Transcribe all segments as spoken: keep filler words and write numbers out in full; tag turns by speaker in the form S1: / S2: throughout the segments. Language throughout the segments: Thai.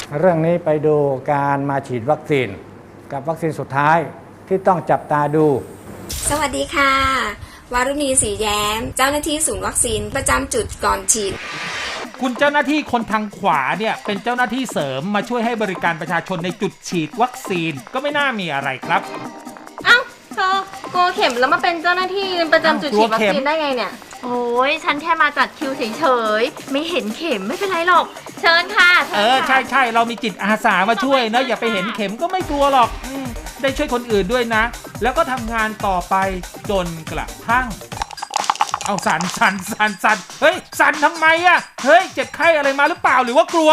S1: เรื่องนี้ไปดูการมาฉีดวัคซีนกับวัคซีนสุดท้ายที่ต้องจับตาดู
S2: สวัสดีค่ะวารุณีศรีแย้มเจ้าหน้าที่ศูนย์วัคซีนประจำจุดก่อนฉีด
S3: คุณเจ้าหน้าที่คนทางขวาเนี่ยเป็นเจ้าหน้าที่เสริมมาช่วยให้บริการประชาชนในจุดฉีดวัคซีนก็ไม่น่ามีอะไรครับ
S4: เอ้าเธอกลัวเข็มแล้วมาเป็นเจ้าหน้าที่ประจำจุดฉีดวัคซีนได้ไงเนี่ย
S5: โอ้ยฉันแค่มาจัดคิวเฉยๆไม่เห็นเข็มไม่เป็นไรหรอกเชิญค่ะ
S3: เออใช่ใช่เรามีจิตอาสามาช่วยนะอย่าไปเห็นเข็มก็ไม่กลัวหรอกได้ช่วยคนอื่นด้วยนะแล้วก็ทำงานต่อไปจนกระทั่งเอาสั่นสั่นสั่นสั่นเฮ้ยสั่นทำไมอะเฮ้ยเจ็บไข้อะไรมาหรือเปล่าหรือว่ากลัว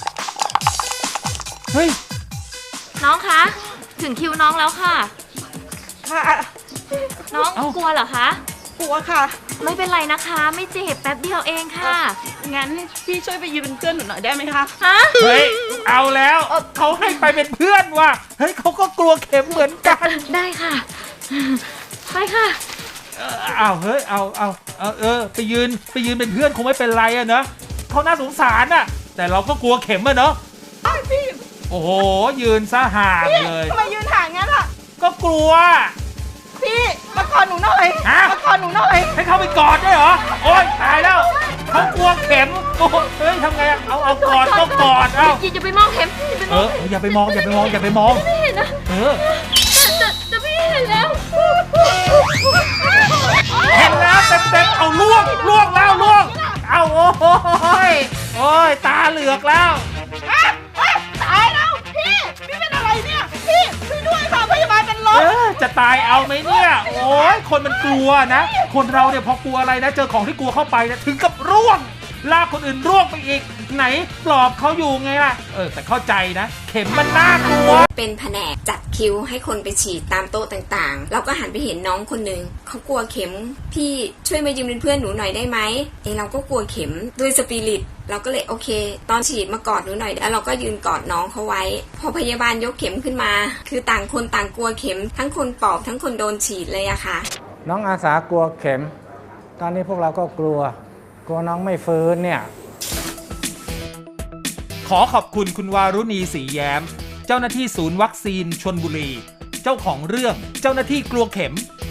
S3: เฮ้ย
S5: น้องคะถึงคิวน้องแล้วค่ะ
S6: ค่ะ
S5: น้องกลัวเหรอคะ
S6: กลัวค่ะ
S5: ไม่เป็นไรนะคะไม่เจ็บแป๊บเดียวเองค่ะ
S6: งั้นพี่ช่วยไปยืนเป็นเพื่อนหนูหน่อยได้ไหมคะ
S5: ฮะ
S3: เฮ้ยเอาแล้วเขาให้ไปเป็นเพื่อนว่ะเฮ้ยเขาก็กลัวเข็มเหมือนกัน
S5: ได้ค่ะไปค่ะ
S3: เอาเฮ้ยเอาเอาเอาเออไปยืนไปยืนเป็นเพื่อนคงไม่เป็นไรอะเนอะเขาน่าสงสารอะแต่เราก็กลัวเข็มอะเนอะ
S6: พี่
S3: โอ้โหยืนซะห่างเลย
S6: ทำไมยืนห่างงั้นอะ
S3: ก็กลัว
S6: พี่มากอดหนูหน่อยมากอดหนูหน่อย
S3: ให้เขาไปกอดได้เหรอโอ๊ยตายแล้วเขากลัวเข็มโอ้เฮ้ยทำไงอะเอาเอากอดก็กอดเอา
S5: อย่าไปมองเข็ม
S3: เอออย่าไปมองอย่าไปมองอย่าไปมอง
S5: ไม่เห็นนะ
S3: เออ
S5: แต่แต่พี่เห็นแล้ว
S3: เห็นแล้วเต็มเต็มเอาล่วงล่วงแล้วล่วงเอาโอ้ยโอ้ยตาเหลือกแล้ว
S6: ตายแล้วพี่พี่เป็นอะไรเนี่ยพี่ช่วยด้วยค่ะพยาบาลเป็นลม
S3: จะตายเอาไหมเนี่ยโอ้ยคนมันกลัวนะคนเราเนี่ยพอกลัวอะไรนะเจอของที่กลัวเข้าไปเนี่ยถึงกับร่วงลากคนอื่นร่วงไปอีกไหนปลอบเขาอยู่ไงล่ะเออแต่เข้าใจนะเข็มมันน่ากลัว
S2: เป็นแผนกจัดคิวให้คนไปฉีดตามโต๊ะต่างๆเราก็หันไปเห็นน้องคนหนึ่งเขากลัวเข็มพี่ช่วยมายืมเป็นเพื่อนหนูหน่อยได้ไหมเออเราก็กลัวเข็มด้วยสปิริตเราก็เลยโอเคตอนฉีดมากอดหนูหน่อยแล้วเราก็ยืนกอดน้องเขาไว้พอพยาบาลยกเข็มขึ้นมาคือต่างคนต่างกลัวเข็มทั้งคนปอบทั้งคนโดนฉีดเลยอะค่ะ
S1: น้องอาสากลัวเข็มตอนนี้พวกเราก็กลัวกลัวน้องไม่ฟื้นเนี่ย
S3: ขอขอบคุณคุณวารุณีศรีแย้มเจ้าหน้าที่ศูนย์วัคซีนชลบุรีเจ้าของเรื่องเจ้าหน้าที่กลัวเข็ม